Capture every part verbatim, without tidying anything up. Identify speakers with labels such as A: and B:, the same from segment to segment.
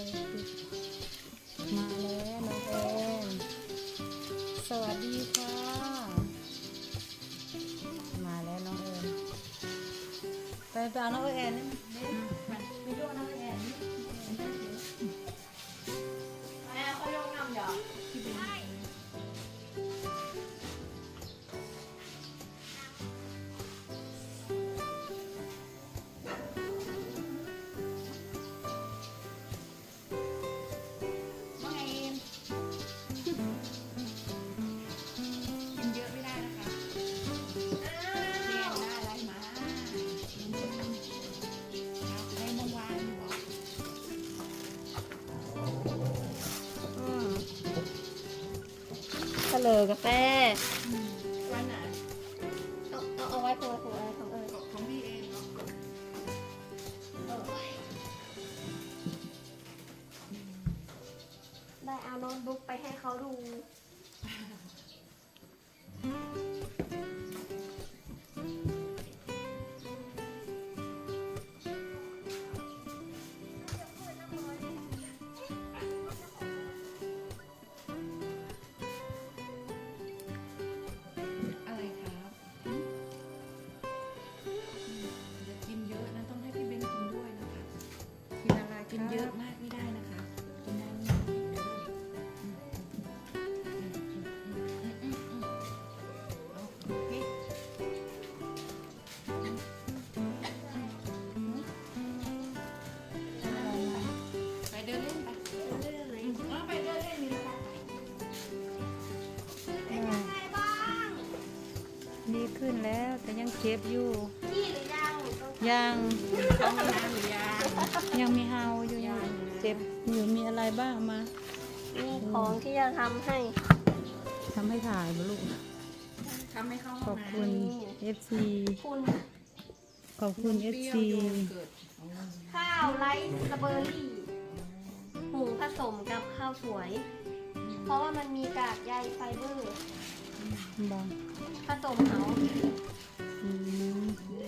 A: อยปิดมาแล้วน้องแอนสวัสดีค่ะมาแล้วน้องแอนไปไปเอาน้องแอนนี่ไปไปดูน้องแอนนี่แม่เขายกน้ำหยอดเฉลยกาแฟวันไหนเอาเอาเอาไว้ตัวตัวอะไรของเอ๋ยของพี่เองเนาะ
B: ได้เอาโน้ตบุ๊กไปให้เขาดู
C: กินเยอะมากไม่ได้นะคะกินน้ำไปเดินเล่นไปเดินเล่นไหนไปเดินเล่นมีอะไรเป็นยังไงบ้าง
A: ดีขึ้นแล้วแต่ยังเจ็บอยู่
B: พี่หรือยัง
A: ยัง
C: ต้องมีน้ำหรือยัง
A: ยังมีเฮาอยู่เจ็บอยู่มีอะไรบ้างมา
B: มีของที่จะทำให้
A: ทำให้ถ่ายมาลูก
C: ทำให้เข้า
A: ขอบคุณ เอฟ ซี
B: คุณ
A: ขอบคุณ เอฟ ซี
B: ข้าวไรซ์สเบอร์รี่หุงผสมกับข้าวสวยเพราะว่ามันมีกากใยไฟเบอร์
A: บาง
B: ผสมเขา
A: อืม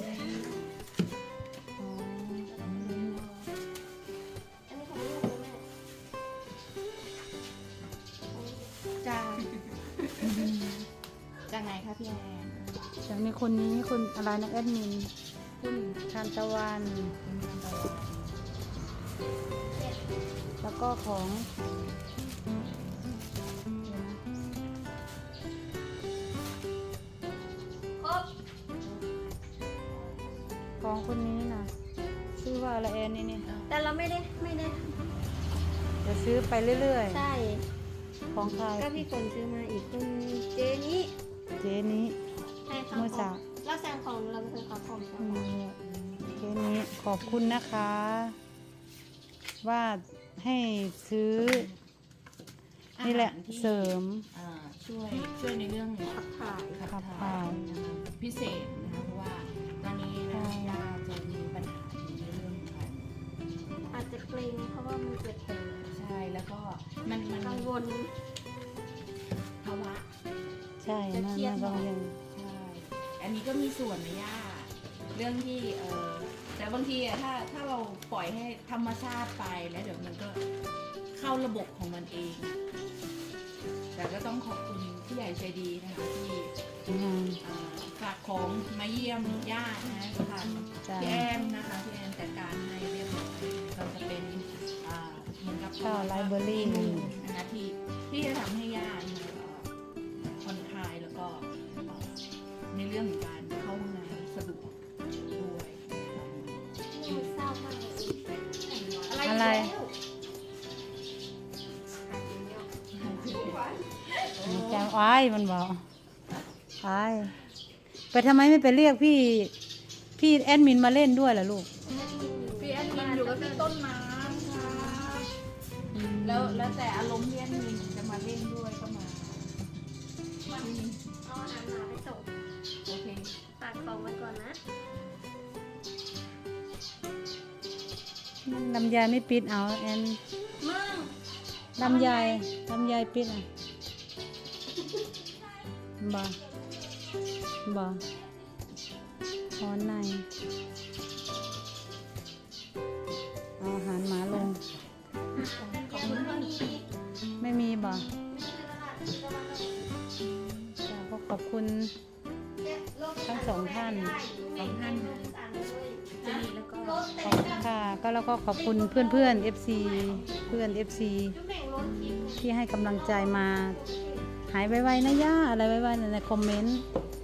C: จากไหนคะพี่แอน
A: จากในคนนี้คนอะไรนะแอดมิน
C: คุณ
A: ทานตะวันแล้วก็ของ
B: ครบ
A: ของคนนี้นะชื่อว่าอะไรแอนนี่เนี่ย
B: แต่เราไม่ได้ไม่ได้
A: จะซื้อไปเรื่อย
B: ๆใช่
A: ของใคร
B: ก็พี่ฝนซื้อมาอีกคุณเจนี้
A: เจนี้
B: ใช่ค่ะเมื่อเช้าเราสั่งของเราเป็นของของ
A: เจนี้ขอบคุณนะคะว่าให้ซื้อนี่แหละเสริม
C: ช่วยช่วยในเรื่องขับถ่าย
A: ขับถ่าย
C: พิเศษนะคะเพราะว่าตอนนี้นะย่าจะมีปัญหาในเรื่องการ
B: อาจจะเกรงเพราะว่ามันเกิดแผล
C: ใช่แล้วก็มันมัน
B: กังวล
C: ภาวะ
A: ใช่มันมันกังวล
C: ใช่อันนี้ก็มีส่วนนะย่าเรื่องที่เออแต่บางทีอะถ้าถ้าเราปล่อยให้ธรรมชาติไปแล้วเดี๋ยวมันก็เข้าระบบของมันเองแต่ก็ต้องขอบคุณผู้ใหญ่ใจดีนะคะที่ฝากของมาเยี่ยมย่านะทางพี่แอนนะคะพี่แอนจัดการให้เรียบร้อยเราจะเป็นเหมือนกับ
A: ข้าวไลฟ์เบอร์รี่
C: นะคะที่ที่จะทำให้ย่าผ่อนคลายแล้วก็ในเรื่องของการเข้าห้องน้ำสะดวกด้วย
B: เศร้ามากเลย
A: อะไรจำอ้ายมันบอกอ้ายไปทำไมไม่ไปเรียกพี่พี่แอดมินมาเล่นด้วยล่ะลูก
C: พี่แอดมินอยู่กับพี่ต้นน้ำค่ะแล้วแล้วแต่อารมณ์พี่แอดมินจะมาเล่นด้วยก็มา
B: เอาอาหารมาไปส่ง
C: โอเค
B: ฝากของไว้ก่อนนะ
A: ลำไยไม่ปิดเอาแอนลำไยลำไยปิดอ่ะบ่บ่หอนในเอาอาหารหมาลง
C: ขอบคุณเท่านี้
A: ไม่มีบ่
B: มีตลาดที่ตะวันออก
A: จ้ะก็ขอบคุณ
B: เนี่ยรถ
A: ทั้งสองท่าน
B: สองท่านรถที่สามเลย
C: จะมีแล้วก็
B: รถ
A: ข
B: แต่
A: อบคุณค่ะ ก็แล้วก็ขอบคุณเพื่อนเพื่อนๆ เอฟ ซี เพื่อน เอฟ ซี
B: จุ๊บแม่งรถทิพย์
A: ที่ให้กำลังใจมา หายไวๆนะย่าอะไรไวๆในคอมเมนต์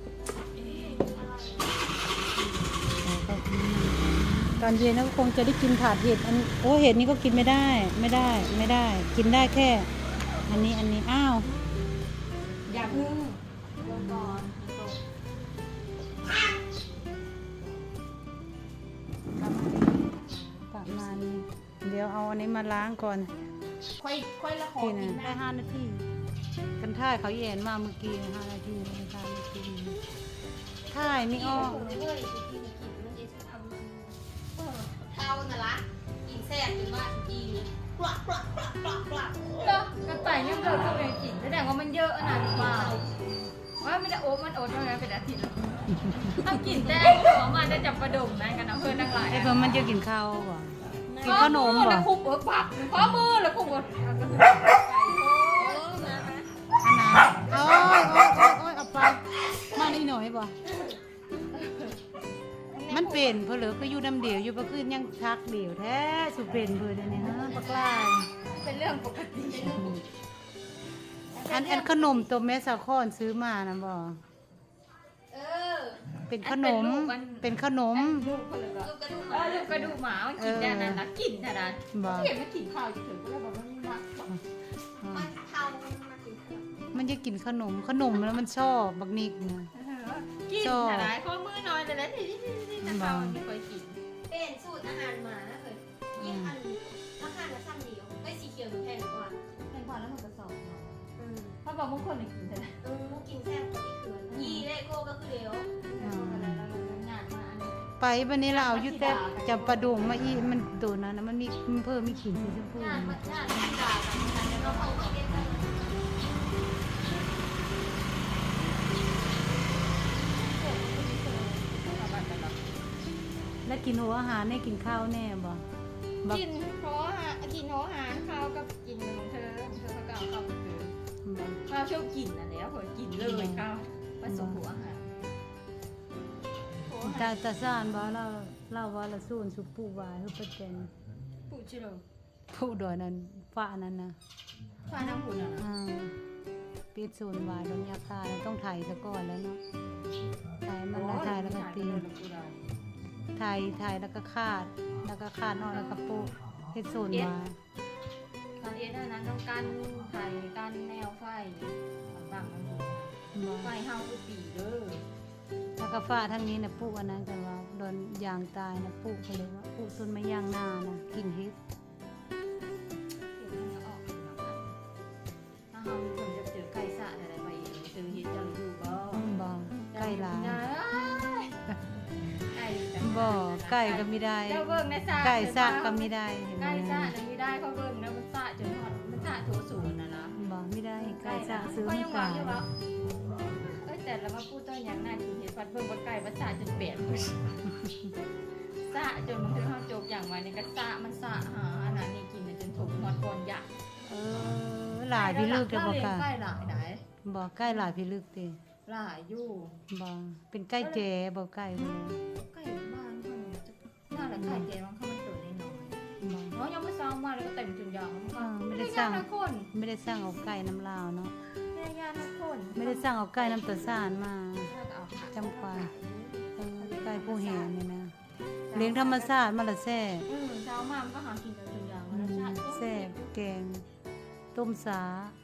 A: ขอบคุณตอนเย็นก็คงจะได้กินถาดเห็ดอันโอ้เห็ดนี้ก็กินไม่ได้ ไม่ได้ ไม่ได้ กินได้แค่ อันนี้อันนี้อ้าว
C: อย่าเพึ่ง
B: ลงก่อนตก
A: ประมาณนี้เดี๋ยวเอาอันนี้มาล้างก่อน
C: ค่อยค่อยละขอ
A: ที่
C: กิ
A: นะ
C: น
A: ได้
C: นะ
A: ห้านาทีกันท่ายเขาแย่นมาเมื่อกี้ห้านาทีกันท่ายเมื่อกี้ท่ายไม่ออก
B: เฮ้ยกินกินมันจะทำมันเออเท่าน่ะละกินแซ่บจนว่ากินกลักกลักกลักกลักกลัก
D: ก็กระต่ายเนี่ยเกิดก็เป็นกลิ่นแสดงว่ามันเยอะขนาดนี้เปล่าว่าไม่ได้โอ๊ตมันโอ๊ตมาแล้วเป็นอาทิตย์แล้วถ้ากลิ่นแต่หัวมันจะจับประดมนะกันนะเพื่อนทั้งหลาย
A: ไอ้เพิ่มมันจะกินข้าวบ่กินขนมบ่
D: แล้วคุบเออปับข้อมือแล้วคุบเออ
A: อันนั้นโอ้ยโอ้ยโอ้ยโอ้ยเอาไปมาหน่อยหน่อยบ่มันเป็นเพอเหลือก็อยู่น้ำเดียวอยู่ประคืนยังทักเดียวแท้สุเป็นเพื่อนเนี่ยฮะปักลาย
D: เป็นเรื่องปกติ
A: อันอันขนมตัวแม่สาคอนซื้อมานะบ่
B: เออ
A: เป็นขนมเป็นขนม
D: ลูกคนเลยก็
B: ลูกกระดูก
D: เออลูกกระดูกหมามันกินได้นั่นนะกลิ่นขนาด
A: บ่
D: เห็นมันกินข้าวจะถึงก็เลยบอกว่ามันมัก
B: มันเท่ามันมากินข้าว
A: มันจะกินขนมขนมแล้วมันชอบบักนิกนะ
D: กินขนาดข้อมือน้อยเลยนะที่ที่ที่จะเข้าไม่ค่อยกิน
B: เป็นสูตรอาหารหมาเลยยิ่งอันราคาละซ้ำเดียวไอ้สีเขียวแพงกว่า
D: แตงกวาแล้วมันกระสอบเนาะ
B: อืม
D: เพราะบางคนเนี่ยกินแต่ละ
B: เออกินแซ่บกว่าที่คืนยี่เลโก้ก็คือเดียว
D: งานมาอันนี้
A: ไปวันนี้เราเอาอยู่แต่จับปลาดุงมาอีมันตัวนั้นนะมันมีมันเพิ่มมีขีดสีชมพู
B: งานมันงานที่ด่ากันแล้วก็เข้าไปเก็บกัน
A: แล้วกินหัวอาหารแน่กินข้าวแน่บ่บัก
D: กินเพราะว่ากินเพราะอาหารข้าวกับกินของเธอของเธอเขาก็เอาข้าวไปเธอ
A: บัก
D: ข้าวชอบกินอ่ะแล้วพอกินเลยข้าวผสมหัวอาหาร
A: ตาตาซ่านบ่เราเราว่าละสูนสุปูวายคือประเจน
D: ปูชิโร่
A: ผู้ดอยนั้นฟ้านั้นนะ
D: ฟ้าน้ำหุ่นอ่ะ
A: อ่าปิดศูนย์วายโดนยาคาแล้วต้องถ่ายซะก่อนแล้วเนาะถ่ายมันแล้วถ่ายแล้วก็ตีถ่ายถ่ายแล้วก็คาด แล้วก็คาดนอกแล้วก็โปะเฮ็ดศูนย์วาย
D: ตอนเอ็นนั้นต้องการไข่การแนวไฟต่างๆมัน
A: บ่
D: ไฟเฮาคือปีเด้อ
A: แล้วก็ฟ้าทางนี้นะปลูกอันนั้นกันว่าโดนยางตายนะปลูกไปเลยว่าปลูกต้นไม้ยางนานะกินเฮ็ด
D: เห็นมันก็ออกอยู่แล้วถ้าเฮามีคนจะเจอไก่สะอะไรไปเจอเห็ดจังอยู่ก็
A: บ่ไก่หลาย
D: ไก่
A: บ่ไก่ก็ไม่ได้
D: เจ้าเบิ่งในสระ
A: ไก่ซากก็ไม่ได้เห็นไหม
D: ไก่สระน่ะไม่ได้เขาเบิ่งนะมันสระจนหอดมันสระโถสูงน่ะนะ
A: บ่ไม่ได้ไก่ซากซื้อ
D: ก็
A: ไม่
D: ยัง
A: ไก่
D: วางอยู่ว่าเอ้ยแต่เรามาพูดต้นอย่างน่ากินเห็ดฟัดเบิ่งว่าไก่มันสระจนเปลี่ยนสระจนมันถึงเฮาโจกอย่างไว้ในกระสระมันสระหาอันนั้นนี่กินจนถูกหอดก่อนยัก
A: เออหลายพี่ลึกจะบ่
D: ไก่
A: กะ
D: ไก่หลายไหน
A: บ่ไก่หลายพี่ลึกติ
D: หลายอยู่
A: บ่เป็นไก่แจ๋บ่ไก่บ่เลย
D: ไก่บ้านเขาจะน่าละไก่แกมันเข้ามันตัวน้อย
A: บ่
D: ๆเนาะยังไม่ซ้อมมาแล้วก็เต็มจนยางมันก็
A: อ่าไม่
D: ไม่
A: ได้
D: ได้
A: ส
D: ยา
A: ร้าง
D: ทุกคน
A: ไม่ได้สร้างเอาไก่น้ำลาวเนาะ
D: ไม่ได้ยาทุกคน
A: ไม่ได้สร้างเอาไก่น้ำตาลสานมา
D: แล้วก็เอาผัก
A: จำปา เออไก่ผู้แห่นี่นะเลี้ยงธรรมชาติมาละแซ่บ
D: อืมเช้ามามันก็หากินกันจนยาง
A: อื
D: แล้ว
A: ม
D: ชาติ
A: แซ่บแกงต้มสา